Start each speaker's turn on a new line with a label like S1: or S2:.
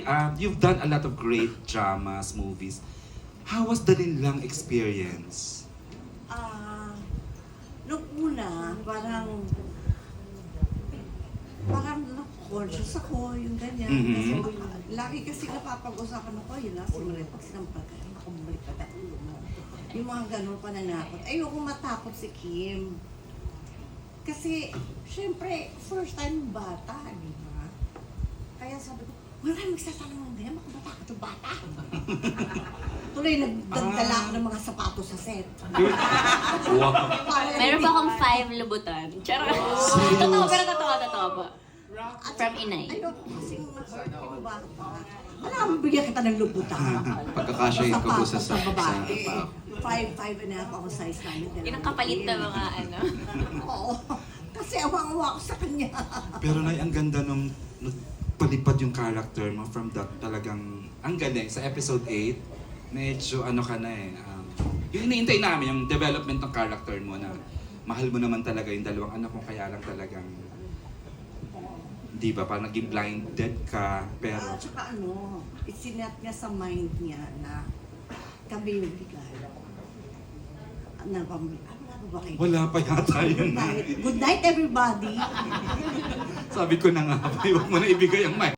S1: you've done a lot of great dramas, movies. How was the Linlang experience?
S2: Nung una, parang conscious ako, yung ganyan.
S1: Mhm.
S2: Kasi lagi kasi napapag-usapan ako, yun na, simulit pag sinampal ka, ako bumalik ka na ulo mo. Yung mga ganun pananakot. Ayoko matakot si Kim. Kasi, syempre, first time bata, di ba? Kaya sabi ko, wala kayong magsasalang ng ganyan, baka matakot yung bata. Tuloy, nagdala ako ng mga sapatos sa set.
S1: Wow.
S3: Meron pa akong 5 lubutan. Charot.
S1: Serious?
S3: Totoo, pero totoo po. From Inay.
S2: Ayoko kasing ma-hurt yung bata. Wala, bigyan kita ng lubutan.
S1: Pagkakasya ko po sa
S2: babae. 5'5" ako size namin.
S3: Yun ang kapalit na mga ano.
S2: Oo. Kasi awang-awa ko sa kanya.
S1: Pero Nay, ang ganda nung palipad yung character mo from that talagang, ang galing. Sa episode 8, medyo ano ka na eh. Yung iniintay namin, yung development ng character mo na mahal mo naman talaga yung dalawang anak mo, kaya lang talagang, di ba, parang naging blinded ka, pero...
S2: Tsaka isinat niya sa mind niya na kami yung bigay. Ano ba kayo?
S1: Wala pa yata yun.
S2: Good night, everybody.
S1: Sabi ko na nga, huwag mo na ibigay ang mic.